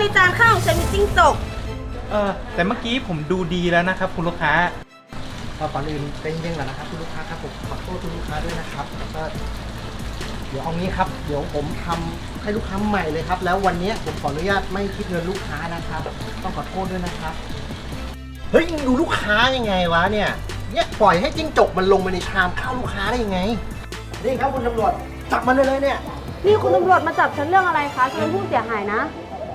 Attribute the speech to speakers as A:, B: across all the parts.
A: ในจานข้าวของฉันมีจิ้งจก
B: แต่เมื่อกี้ผมดูดีแล้วนะครับคุณลูกค้า
C: ก่อนอื่นเป็นยังไงนะครับคุณลูกค้าครับผมขอโทษคุณลูกค้าด้วยนะครับก็เดี๋ยวเอางี้ครับเดี๋ยวผมทำให้ลูกค้าใหม่เลยครับแล้ววันนี้ผมขออนุญาตไม่คิดเงินลูกค้านะครับต้องขอโทษด้วยนะครับเฮ้ยดูลูกค้ายังไงวะเนี่ยปล่อยให้จิ้งจกมันลงมาในชามข้าวลูกค้าได้ยังไงนี่ครับคุณตำรวจจับมันเลยเนี่ย
A: นี่คุณตำรวจมาจับฉันเรื่องอะไรคะฉันเป็นผู้เสียหายนะ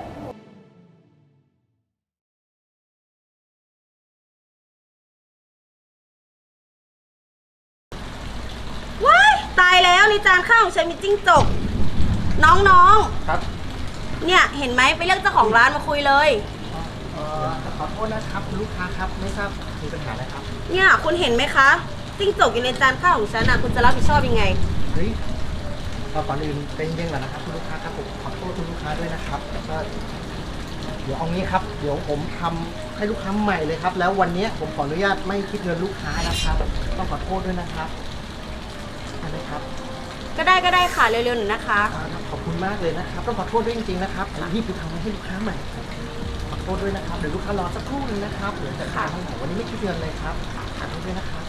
A: ว้ายตายแล้วในจานข้าวของฉันมีจิ้งจกน้องๆ
B: ครับ
A: เนี่ยเห็นไหมไปเรียกเจ้าของร้านมาคุยเลย
C: ขอโทษนะครับคุณลูกค้าครับไม่ทราบมีปัญหาอะไรครับ
A: เนี่ยคุณเห็นไหมคะจิ้งจกอยู่ในจานข้าวของฉันคุณจะรับผิดชอบยังไง
C: เฮ้ยก่อนอื่นเป็นยังไงนะครับคุณลูกค้าครับผมขอโทษคุณลูกค้าด้วยนะครับก็เดี๋ยวเอางี้ครับเดี๋ยวผมทำให้ลูกค้าใหม่เลยครับแล้ววันนี้ผมขออนุญาตไม่คิดเงินลูกค้านะครับต้องขอโทษด้วยนะครับได้ครับ
A: ก็ได้ค่ะเร็วๆหน่อยนะคะ
C: ขอบคุณมากเลยนะครับต้องขอโทษด้วยจริงๆนะครับรีบไปทำให้ลูกค้าใหม่ขอโทษด้วยนะครับเดี๋ยวลูกค้ารอสักครู่นึงนะครับเดี๋ยวจะขายทั้งหมดวันนี้ไม่คิดเงินเลยครับขอโทษด้วยนะครับ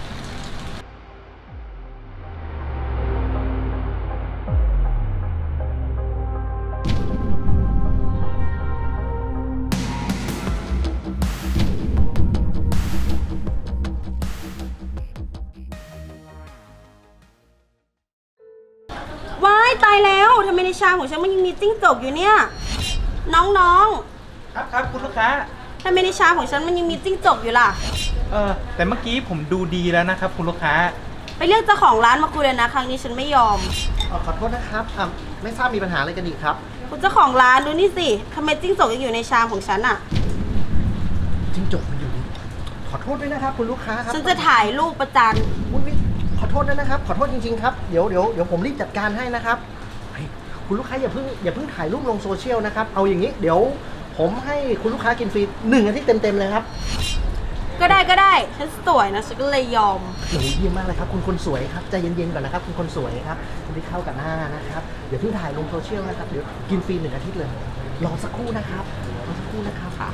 A: ว้ายตายแล้วทำไมในชามของฉันมันยังมีจิ้งจกอยู่เนี่ยน้อง
B: ครับคุณลูกค้า
A: ทำไมในชามของฉันมันยังมีจิ้งจกอยู่ล่ะ
B: แต่เมื่อกี้ผมดูดีแล้วนะครับคุณลูกค้า
A: ไปเรียกเจ้าของร้านมาคุยเลยนะครั้งนี้ฉันไม่ยอม
C: ขอโทษนะครับไม่ทราบมีปัญหาอะไรกันอีกครับ
A: คุณเจ้าของร้านดูนี่สิทำไมจิ้งจกยังอยู่ในชามของฉัน
C: จิ้งจกมันอยู่ขอโทษด้วยนะครับคุณลูกค้าครับ
A: ฉันจะถ่ายรูปประจาน
C: ขอโทษด้วยนะครับขอโทษจริงๆครับเดี๋ยวผมรีบจัดการให้นะครับคุณลูกค้าอย่าเพิ่งถ่ายรูปลงโซเชียลนะครับเอาอย่างนี้เดี๋ยวผมให้คุณลูกค้ากินฟรี1 อาทิตย์เต็มๆเลยครับ
A: ก็ได้ฉันสวยนะฉันก็เลยยอม
C: เยี่ยมมากเลยครับคุณคนสวยครับใจเย็นๆก่อนนะครับคุณคนสวยครับคุณที่เข้ากับหน้านะครับเดี๋ยวเพิ่งถ่ายลงโซเชียลนะครับเดี๋ยวกินฟรี1 อาทิตย์เลยรอสักครู่นะครับค่ะ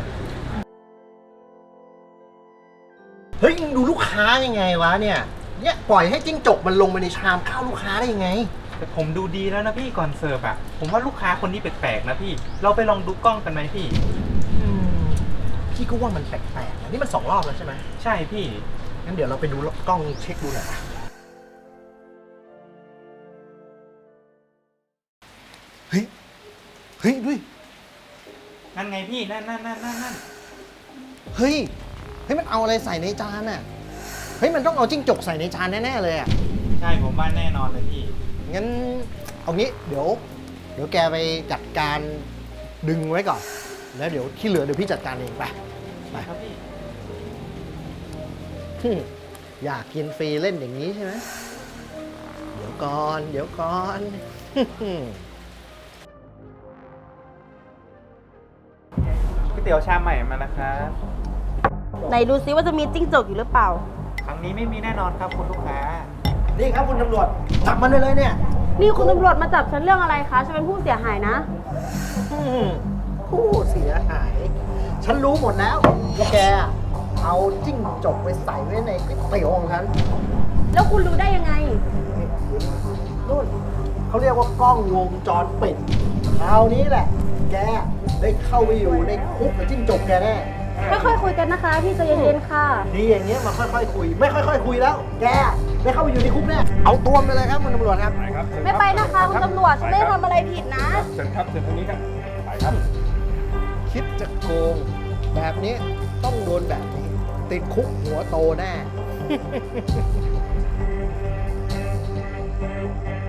C: เฮ้ยดูลูกค้ายังไงวะเนี่ยปล่อยให้จิ้งจกมันลงมาในชามข้าวลูกค้าได้ยังไง
B: แต่ผมดูดีแล้วนะพี่ก่อนเสิร์ฟผมว่าลูกค้าคนนี้แปลกๆนะพี่เราไปลองดูกล้องกันไหมพี่
C: พี่ก็ว่ามันแปลกๆนี่มัน2 รอบแล้วใช่ไหม
B: ใช่พี่
C: งั้นเดี๋ยวเราไปดูกล้องเช็คดูหน่อยเฮ้ยด้วย
B: นั่นไงพี่นั่น
C: เฮ้ยมันเอาอะไรใส่ในจานน่ะเฮ้ยมันต้องเอาจิ้งจกใส่ในจานแน่ๆเลย
B: ใช่ผมว่าแน่นอนเลยพี่
C: งั้นเอางี้เดี๋ยวแกไปจัดการดึงไว้ก่อนแล้วเดี๋ยวที่เหลือเดี๋ยวพี่จัดการเองไป
B: ครับพี่
C: อยากกินฟรีเล่นอย่างนี้ใช่ไหมเดี๋ยวก่อน
B: ก๋วยเตี๋ยวชามใหม่มานะครับ
A: ไหนดูซิว่าจะมีจิ้งจกอยู่หรือเปล่า
B: ครั้งนี้ไม่มีแน่นอนครับคุณลูกค้า
C: นี่ครับคุณตำรวจจับมันเลยเนี่ย
A: นี่คุณตำรวจมาจับฉันเรื่องอะไรคะฉันเป็นผู้เสียหายนะ
C: ผู้เสียหายฉันรู้หมดแล้วว่าแกเอาจิ้งจกไปใส่ไว้ในก๋วยเตี๋ยวของฉัน
A: แล้วคุณรู้ได้ยังไง
C: นู่นเขาเรียกว่ากล้องวงจรปิดคราวนี้แหละแกได้เข้าไปอยู่ในคุกกับจิ้งจกแกแน่
A: ค่อยๆคุยกันนะคะพี่ใจเย็นๆค่ะ
C: ดีอย่างเงี้ยมาค่อยๆคุยไม่ค่อยๆคุยแล้วแกได้เข้าไปอยู่ในคุกแน่เอาตัวไปเลยครับคุณตำรวจครับ
A: ไม่ไปนะคะคุณตำรวจฉันไม่ได้ทำอะไรผิดนะ
B: เชิญครับเชิญทางนี้ครับไปครับ
C: คิดจะโกงแบบนี้ต้องโดนแบบนี้ติดคุกหัวโตแน่